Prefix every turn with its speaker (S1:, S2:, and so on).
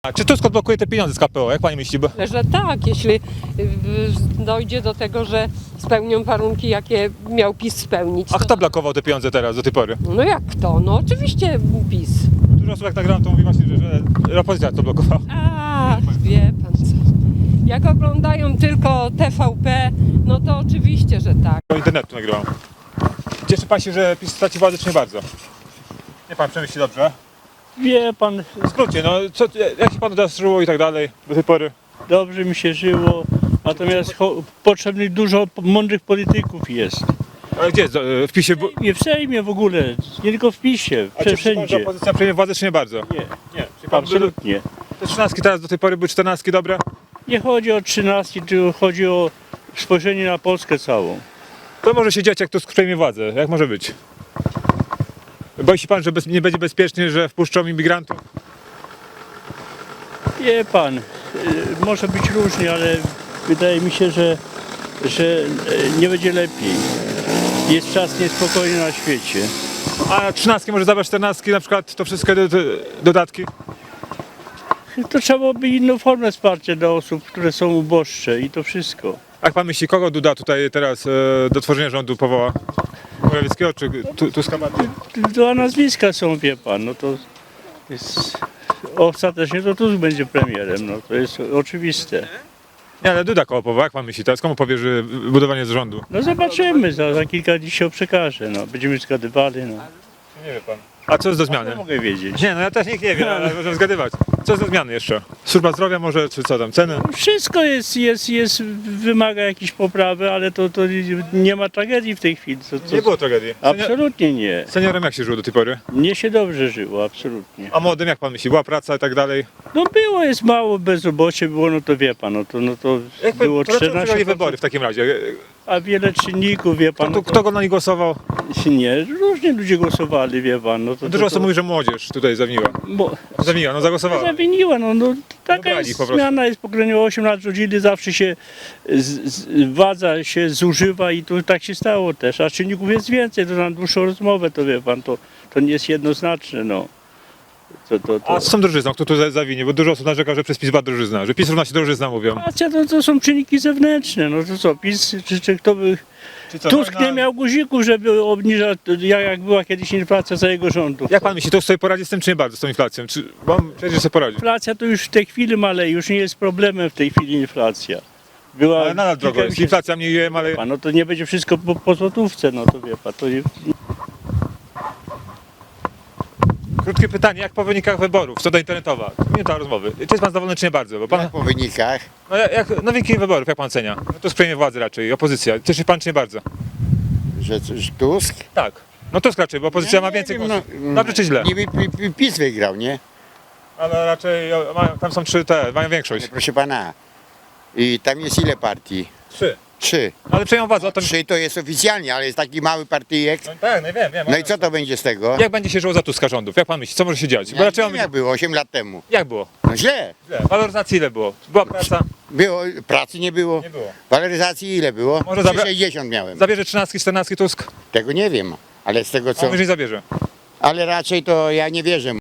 S1: A czy Tusk odblokuje te pieniądze z KPO? Jak pani myśli? Bo...
S2: Że tak, jeśli dojdzie do tego, że spełnią warunki, jakie miał PiS spełnić.
S1: A kto blokował te pieniądze teraz do tej pory?
S2: No jak kto? No oczywiście PiS.
S1: Dużo osób jak nagrałem to mówi właśnie, że opozycja to blokowała.
S2: A, wie pan co. Jak oglądają tylko TVP, no to oczywiście, że tak.
S1: Do internetu nagrywam. Cieszy pan się, że PiS straci władzę, czy nie bardzo? Nie pan przemyśli dobrze.
S3: Wie pan,
S1: W skrócie, no jak się panu teraz żyło i tak dalej do tej pory?
S3: dobrze mi się żyło, natomiast potrzebnych dużo mądrych polityków jest.
S1: Ale gdzie? W PiSie?
S3: Nie w Sejmie w ogóle, nie tylko w PiSie,
S1: A czy pan, że
S3: wszędzie.
S1: opozycja przejmie władzę, czy nie bardzo?
S3: Nie,
S1: Nie. Czyli pan
S3: absolutnie.
S1: Te 13 teraz do tej pory były 14 dobre?
S3: Nie chodzi o 13, tylko chodzi o spojrzenie na Polskę całą.
S1: To może się dziać, jak Tusk przejmie władzę. Jak może być? Boi się pan, że nie będzie bezpiecznie, że wpuszczą imigrantów?
S3: Wie pan, może być różnie, ale wydaje mi się, że nie będzie lepiej. Jest czas niespokojny na świecie.
S1: A 13 może zabrać 14 na przykład, to wszystkie dodatki?
S3: To trzeba by inną formę wsparcia dla osób, które są uboższe i to wszystko.
S1: Jak pan myśli, kogo Duda tutaj teraz do tworzenia rządu powoła? Morawieckiego czy Tuska bardziej?
S3: Dwa nazwiska są, wie pan, no to jest, ostatecznie to Tusk będzie premierem, no to jest oczywiste.
S1: Nie, ale Duda koło powoła, jak pan myśli teraz? Komu powierzy budowanie z rządu?
S3: No zobaczymy, za kilka dni się przekaże, no będziemy zgadywali, no.
S1: Nie wie pan. A co jest do zmiany?
S3: Nie mogę wiedzieć.
S1: Nie, no ja też nikt nie wie, ale możemy zgadywać. Co jest do zmiany jeszcze? Służba zdrowia może, czy co tam, ceny?
S3: Wszystko wymaga jakiejś poprawy, ale to nie ma tragedii w tej chwili.
S1: Nie było tragedii.
S3: Absolutnie nie.
S1: Seniorem jak się żyło do tej pory?
S3: Mnie się dobrze żyło, absolutnie.
S1: A młodym jak pan myśli? Była praca i tak dalej?
S3: No było, jest mało, bezrobocie było, no to wie pan, no to było
S1: Dlaczego przegrali
S3: 14,
S1: wybory w takim razie?
S3: a wiele czynników, wie pan.
S1: Kto go na nich głosował?
S3: Nie, różnie ludzie głosowali, wie pan. No to,
S1: Dużo osób mówi, że młodzież tutaj zawiniła.
S3: Zawiniła,
S1: no zagłosowała.
S3: no taka
S1: Wybrali
S3: jest
S1: po prostu.
S3: zmiana, jest pokrewnie 8 lat rządzili, zawsze się władza się zużywa i to tak się stało też, a czynników jest więcej, to na dłuższą rozmowę, to wie pan, to nie jest jednoznaczne, no.
S1: A z tą drożyzną, kto tu zawinie? Bo dużo osób narzeka, że przez PiS była drożyzna, że PiS równa się drożyzna mówią.
S3: Racja, to są czynniki zewnętrzne, no to co, PiS, czy kto by... Tusk nie miał guzików, żeby obniżać, jak była kiedyś inflacja za jego rządów.
S1: Jak pan myśli, Tusk sobie poradzi z tym, czy nie bardzo, z tą inflacją? Bo on przecież sobie poradzi.
S3: Inflacja to już w tej chwili maleje, już nie jest problemem w tej chwili inflacja. Była
S1: Ale nadal drogo jest. Inflacja mniej maleje.
S3: No to nie będzie wszystko po złotówce, no to wie pan, to nie...
S1: Krótkie pytanie, jak po wynikach wyborów, co do internetowa? Minuta rozmowy. Czy jest pan zadowolony, czy nie bardzo? Bo pan,
S4: Jak po wynikach?
S1: no wyniki wyborów, jak pan ocenia? No to przejmie władzę raczej, opozycja. Cieszy się pan, czy nie bardzo?
S4: Że Tusk?
S1: Tak. No Tusk raczej, bo opozycja ma więcej głosów. Dobrze czy źle?
S4: Niby PiS wygrał, nie?
S1: Ale raczej tam są mają większość.
S4: Proszę pana. I tam jest ile partii?
S1: 3.
S4: 3.
S1: Ale przejmą władzę, o to...
S4: 3 to jest oficjalnie, ale jest taki mały partyjek.
S1: No tak, no wiem.
S4: No i co to będzie z tego?
S1: Jak będzie się żyło za Tuska rządów? Jak pan myśli, co może się dziać? Bo
S4: Ja
S1: raczej
S4: nie wiem, jak było 8 lat temu.
S1: Jak było?
S4: No źle.
S1: Waloryzacji ile było? Była praca?
S4: Było, pracy nie było.
S1: Nie było.
S4: Waloryzacji ile było?
S1: Może
S4: 60 miałem.
S1: Zabierze 13, 14 Tusk?
S4: Tego nie wiem, ale z tego
S1: A
S4: co...
S1: on już nie zabierze.
S4: Ale raczej to ja nie wierzę.